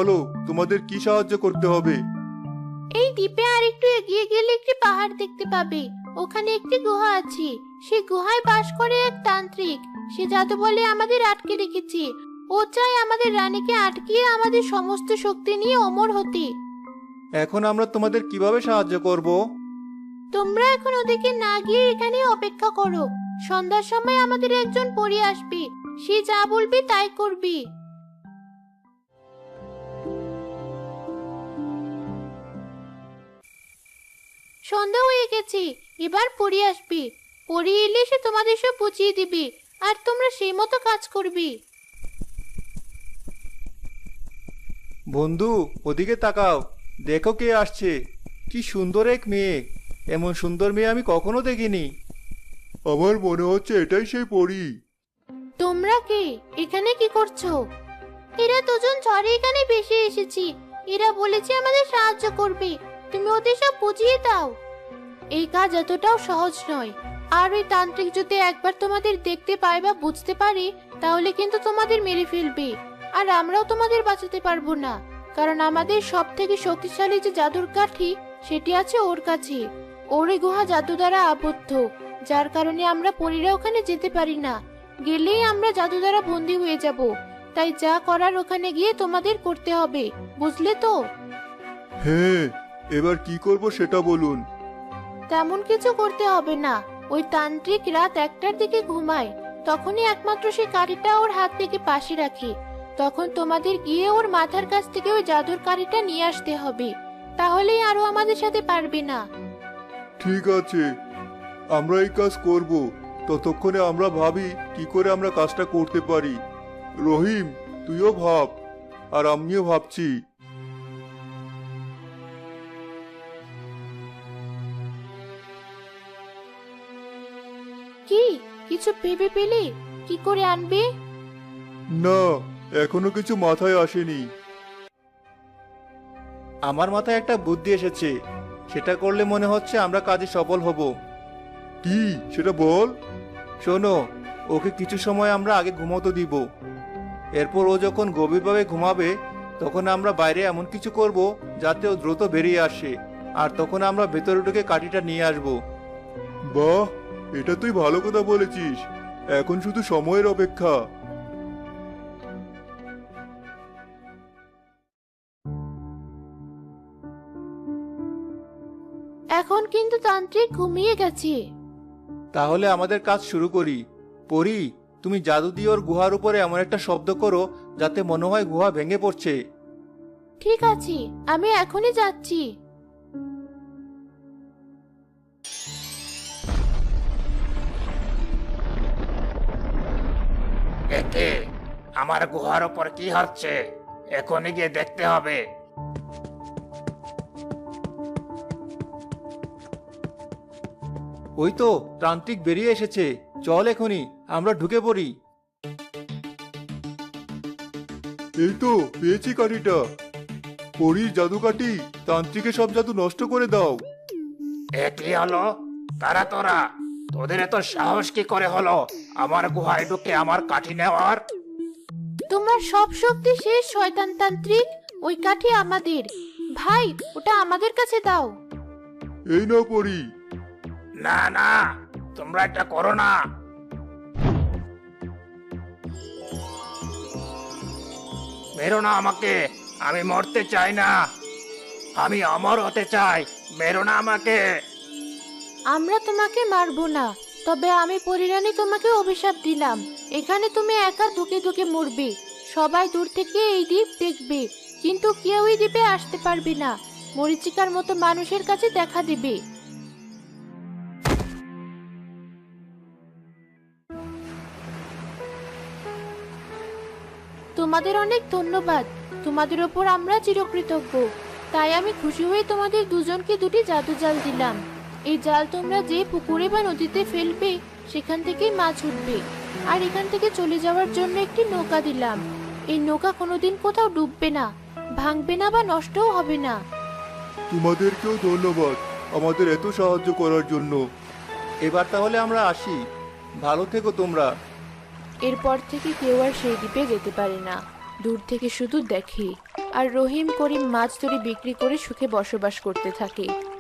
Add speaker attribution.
Speaker 1: বলো তোমাদের কি সাহায্য করতে হবে?
Speaker 2: এই দ্বীপে আর একটু এগিয়ে গেলে একটি পাহাড় দেখতে পাবে। ওখানে একটি গুহা আছে। সেই গুহায় বাস করে এক তান্ত্রিক। সে জাদু বলে আমাদের আটকে রেখেছে। ও চায় আমাদের রানীকে আটকিয়ে আমাদের সমস্ত শক্তি নিয়ে অমর হতে।
Speaker 1: এখন আমরা তোমাদের কিভাবে সাহায্য করব?
Speaker 2: তোমরা এখন ওদিকে না গিয়ে এখানে অপেক্ষা করো। সন্ধ্যার সময় আমাদের একজন পরী আসবে। সে যা বলবে তাই করবি। সন্ধ্যা হয়ে গেছে, এবার পরী আসবে। পরী এলে সে তোমাদের সব বুঝিয়ে দিবে, আর তোমরা সেই মতো কাজ করবে।
Speaker 1: বন্ধু, ওদিকে তাকাও, দেখো কে আসছে। কি সুন্দর এক মেয়ে! এমন সুন্দর মেয়ে আমি কখনো দেখিনি। আমার মনে হচ্ছে এটাই সেই পরী।
Speaker 2: তোমরা কে? এখানে কি করছো? এরা দুজন ঝড়ে এখানে ভেসে এসেছি। এরা বলেছে আমাদের সাহায্য করবে। তুমি ওদের সব বুঝিয়ে দাও। এই কাজ এতটাও সহজ নয়। আর ওই তান্ত্রিক যদি একবার তোমাদের দেখতে পায় বা বুঝতে পারে, তাহলে কিন্তু তোমাদের মেরে ফেলবে। আর আমরাও তোমাদের বাঁচাতে পারবো না, কারণ আমাদের সব থেকে শক্তিশালী যে জাদুর কাঠি, সেটি আছে ওর কাছে। ওর এই গুহা জাদু দ্বারা আবদ্ধ, যার কারণে আমরা পরীরা ওখানে যেতে পারি না। গেলেই আমরা জাদু দ্বারা বন্দী হয়ে যাব। তাই যা করার ওখানে গিয়ে তোমাদের করতে হবে, বুঝলে তো?
Speaker 1: হ্যাঁ, এবার কি করব সেটা বলুন।
Speaker 2: তেমন কিছু করতে হবে না। ওই তান্ত্রিক রাত 1টার দিকে ঘুমায়। তখনই একমাত্র সেই কাঠিটা ওর হাত থেকে পাশে রাখে। তখন তোমাদের গিয়ে ওর মাথার কাছ থেকে ওই জাদুর কাঠিটা নিয়ে আসতে হবে। তাহলেই আরো আমাদের সাথে পারবে না।
Speaker 1: ঠিক আছে, আমরা এই কাজ করব। ততক্ষণে আমরা ভাবি কি করে আমরা কাজটা করতে পারি। রহিম, তুইও ভাব, আর আমিও ভাবছি।
Speaker 2: কি কিছু ভেবে পেলে? কি করে আনবে?
Speaker 1: না, এখনো কিছু মাথায় আসেনি। আমার মাথায় একটা বুদ্ধি এসেছে। সেটা করলে মনে হচ্ছে আমরা কাজে সফল হব। কি সেটা বল। শোনো, ওকে কিছু সময় আমরা আগে ঘুমোতে দিব। এরপর ও যখন গভীরভাবে ঘুমাবে, তখন আমরা বাইরে এমন কিছু করব যাতে ও দ্রুত বেরিয়ে আসে। আর তখন আমরা ভেতরে ঢুকে কাঠিটা নিয়ে আসব। বাহ, এটা তুই ভালো কথা বলেছিস। এখন শুধু সময়ের অপেক্ষা।
Speaker 2: এখন কিন্তু তান্ত্রিক ঘুমিয়ে গেছে।
Speaker 1: তাহলে আমাদের কাজ শুরু করি। পরি, তুমি জাদু দিয়ে ওর গুহার উপরে এমন একটা শব্দ করো যাতে মনে হয় গুহা ভেঙে পড়ছে।
Speaker 2: ঠিক আছে, আমি এখনই যাচ্ছি।
Speaker 3: একে আমার গুহার উপর কি হচ্ছে? এখনই গিয়ে দেখতে হবে।
Speaker 1: ওই তো তান্ত্রিক বেরিয়ে এসেছে। চল এখনই আমরা ঢুকে পড়ি। এই তো পেয়েছি কাঠিটা। পরীর জাদু কাঠি, তান্ত্রিকের সব জাদু নষ্ট করে দাও।
Speaker 3: এ কি হলো? তারা তোরা, তোদের এত সাহস কি করে হলো আমার গুহায় ঢুকে আমার কাঠি নেওয়ার?
Speaker 2: তোমার সব শক্তি শেষ, শয়তান তান্ত্রিক। ওই কাঠি আমাদের। ভাই, ওটা আমাদের কাছে দাও।
Speaker 1: এই নাও পরি।
Speaker 3: না না, তোমরা এটা করো না। মেরো না আমাকে, আমি মরতে চাই না। আমি অমর হতে চাই, মেরো না আমাকে।
Speaker 2: আমরা তোমাকে মারবো না, তবে আমি পরিরানী তোমাকে অভিশাপ দিলাম। এখানে তুমি একা ধুকে ধুকে মরবে। সবাই দূর থেকে এই দ্বীপ দেখবে, কিন্তু কেউ এই দ্বীপে আসতে পারবে না। মরীচিকার মতো মানুষের কাছে দেখা দিবে। তোমাদের অনেক ধন্যবাদ। তোমাদের ওপর আমরা চিরকৃতজ্ঞ। তাই আমি খুশি হয়ে তোমাদের দুজনকে দুটি জাদু জাল দিলাম। এই জাল তোমরা যে পুকুরে বা নদীতে ফেলবে, সেখান থেকেই মাছ উঠবে। আর এখান থেকে চলে যাওয়ার জন্য একটি নৌকা দিলাম। এই নৌকা কোনোদিন কোথাও ডুববে না, ভাঙবে না বা নষ্টও হবে না।
Speaker 1: তোমাদেরকেও ধন্যবাদ আমাদের এত সাহায্য করার জন্য। এবার তাহলে আমরা আসি। ভালো থেকো তোমরা।
Speaker 2: এরপর থেকে কেউ আর সেই দ্বীপে যেতে পারে না। দূর থেকে শুধু দেখে। আর রহিম করিম মাছ ধরে বিক্রি করে সুখে বসবাস করতে থাকে।